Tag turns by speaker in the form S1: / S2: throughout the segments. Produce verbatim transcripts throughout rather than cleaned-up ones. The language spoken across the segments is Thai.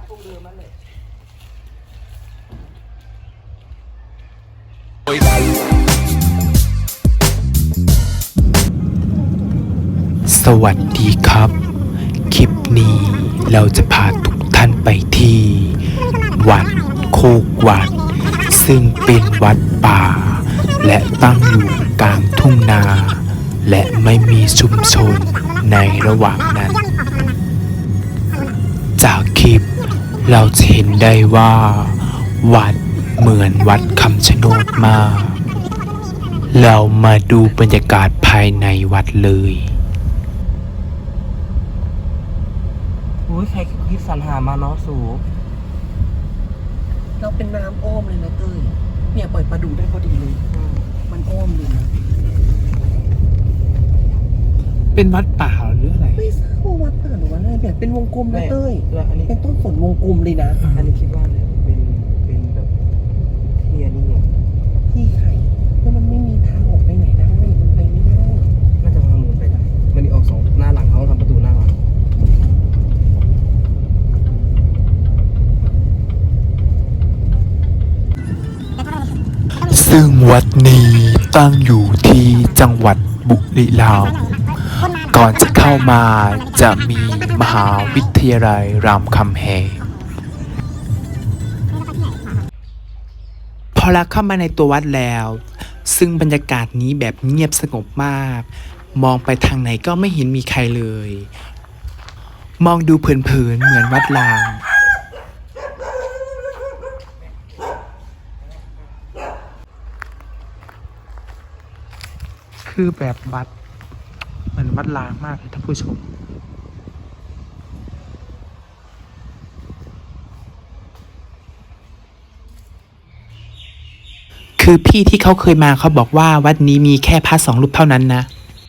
S1: ตรงเดิมนั่นแหละ
S2: สวัสดีครับ คลิปนี้เราจะพาทุกท่านไปที่ วัดโคกวัด ซึ่งเป็นวัดป่า และตั้งอยู่กลางทุ่งนา และไม่มีชุมชนในระหว่างนั้น จากคลิปเราจะเห็นได้ว่า วัดเหมือนวัดคำชะโนดมาก เรามาดูบรรยากาศภายในวัดเลย
S1: โอ้ยใครคิดสรรหามาเนาะสูเราเป็นน้ำอ้อมเลยนะเต้ยเนี่ยปล่อยปลาดูได้พอดีเลยมันอ้อมเลยนะ
S2: เป็นวัดป่าหรืออะไร
S1: ไม่ทราบว่าวัดป่าหรือว่าอะไรแบบเป็นวงกลมนะเต้ยเป็นต้นฝนวงกลมเลยนะอันนี้คิดว่าเนี่ยเป็นเป็นแบบเทียนี่เนี่ยที่ใครแล้วมันไม่มีทางออกไปไหนได้มันไปไม่ได้น่าจะทางนู้นไปได้มันออกสองหน้าหลังเขาทำประตูหน้าหลัง
S2: ซึ่งวัดนี้ตั้งอยู่ที่จังหวัดบุรีรัมย์ก่อนจะเข้ามาจะมีมหาวิทยาลัยรามคำแหงพอเราเข้ามาในตัววัดแล้ว ซึ่งบรรยากาศนี้แบบเงียบสงบมาก มองไปทางไหนก็ไม่เห็นมีใครเลย มองดูเผินๆเหมือนวัดล้างคือแบบวัดเหมือนวัดล้างมากเลยท่านผู้ชมคือพี่ที่เขาเคยมาเขาบอกว่าวัดนี้มีแค่พระสองรูปเท่านั้นนะ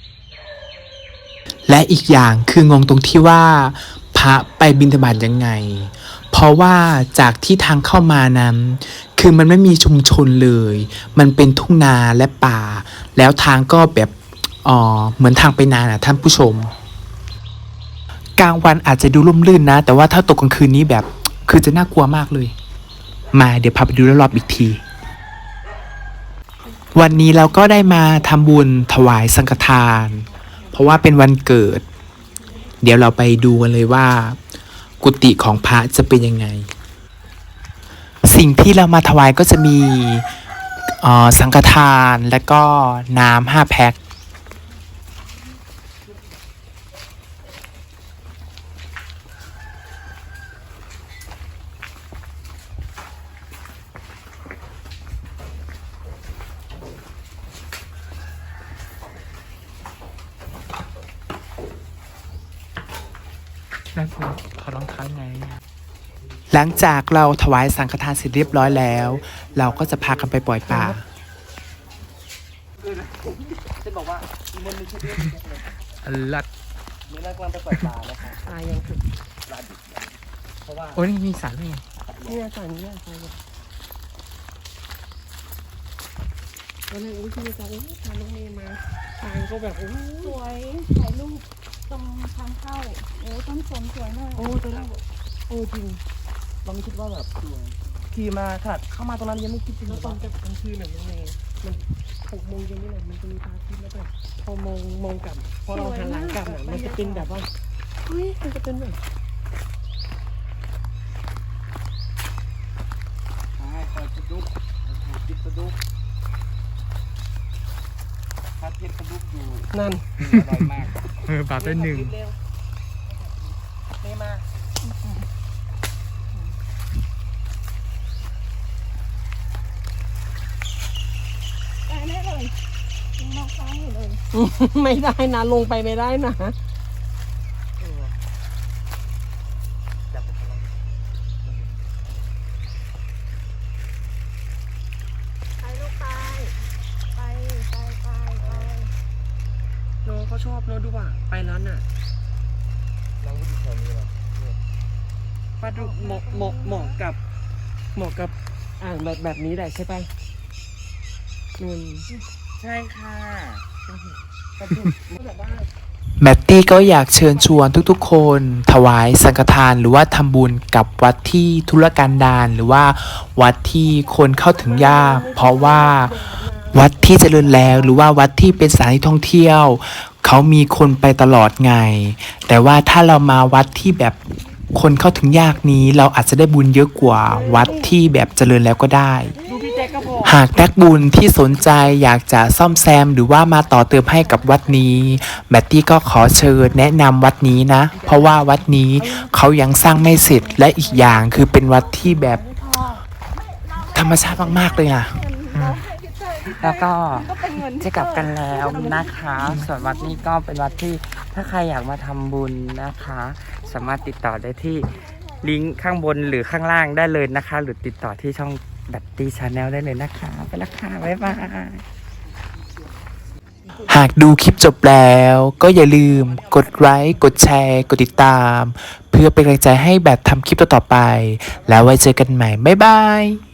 S2: และอีกอย่างคืองงตรงที่ว่าพระไปบิณฑบาตยังไงเพราะว่าจากที่ทางเข้ามานั้นคือมันไม่มีชุมชนเลยมันเป็นทุ่งนาและป่าแล้วทางก็แบบอ๋อเหมือนทางไปนาน่ะท่านผู้ชมกลางวันอาจจะดูร่มรื่นนะแต่ว่าถ้าตกกลางคืนนี้แบบคือจะน่ากลัวมากเลยมาเดี๋ยวพาไปดูรอบๆอีกทีวันนี้เราก็ได้มาทำบุญถวายสังฆทานเพราะว่าเป็นวันเกิดเดี๋ยวเราไปดูกันเลยว่ากุฏิของพระจะเป็นยังไงสิ่งที่เรามาถวายก็จะมีสังฆทานและก็น้ำห้าแพ็คนั่นคือถอดรองเท้าไงหลังจากเราถวายสังฆทานเสร็จเรียบร้อยแล้วเราก็จะพากันไปปล่อยปลา
S1: จะบอกว่ามันไม่ใช่เรื่องเลย
S2: ลัด
S1: นี่เรากำลังไปปล่อยปลานะคะปลายังคือปลาดิบเพราะว่า
S2: โอ้ยนี่มีสารด้วยไง
S1: นี่สารนี่สารเนี่ยตอนแรกอุ้ยพี่จะอุ้ยพาน้องเมย์มาทางก็แบบโอ้
S3: สวยถ่ายรูปตรงทางเข้าโอ้ต้นสนสวยมาก
S1: โอ้ตอนแรกโอ้จริงเราไม่คิดว่าแบบสวยขี่มาค่ะเข้ามาตรงนั้นยังไม่คิดถึงตอนกลางคืนแบบน้องเมย์มันหกโมงเย็นนี่แหละมันจะมีพระอาทิตย์แล้วแบบพอมองมองกลับพอเราหันหลังกลับอ่ะมันจะเป็นแบบว่าเฮ้ยมันจะเป็นแบบใช่คอยจะดุกจิตจะดุกถ้าเทียบกระดุกอยู่นั่นอร่อยมาก
S2: เออบาทได้หนึ่ง
S1: นี่มา
S3: ได้ได้เลยมองฟ้าอยู่เลย
S1: ไม่ได้นะลงไปไม่ได้นะ
S3: ไปลูกไปไปไปไปไป
S1: น้องเขาชอบเนอะดูว่าไปแล้วน่ะน้องก็อยู่แถวนี้หรอปลาดุกเหมาะเหมาะเหมาะกับเหมาะกับอ่างแบบแบบนี้แหละใช่ไหมนุ่นใช่ค่ะปลาดุกแบบว่า
S2: แมตตี้ก็อยากเชิญชวนทุกๆ คนถวายสังฆทานหรือว่าทำบุญกับวัดที่ธุรกันดารหรือว่าวัดที่คนเข้าถึงยากเพราะว่าวัดที่เจริญแล้วหรือว่าวัดที่เป็นสถานที่ท่องเที่ยวเขามีคนไปตลอดไงแต่ว่าถ้าเรามาวัดที่แบบคนเข้าถึงยากนี้เราอาจจะได้บุญเยอะกว่าวัดที่แบบเจริญแล้วก็ได้ หากนักบุญที่สนใจอยากจะซ่อมแซมหรือว่ามาต่อเติมให้กับวัดนี้แมตตี้ก็ขอเชิญแนะนำวัดนี้นะเพราะว่าวัดนี้เขายังสร้างไม่เสร็จและอีกอย่างคือเป็นวัดที่แบบธรรมชาติมากๆเลยอ่ะ
S4: แล้วก็
S3: ก็เป็นเงิน
S4: จะกลับกันแล้วนะคะ ส่วนวัดนี้ก็เป็นวัดที่ถ้าใครอยากมาทำบุญนะคะ สามารถติดต่อได้ที่ลิงก์ข้างบนหรือข้างล่างได้เลยนะคะ หรือติดต่อที่ช่องดัตตี้ชาแนลได้เลยนะคะ ไปและค่ะ บ๊ายบาย
S2: หากดูคลิปจบแล้วก็อย่าลืมกดไลค์กดแชร์ กดติดตาม เพื่อเป็นกำลังใจให้แบบทำคลิปต่อๆไป แล้วไว้เจอกันใหม่ บ๊ายบาย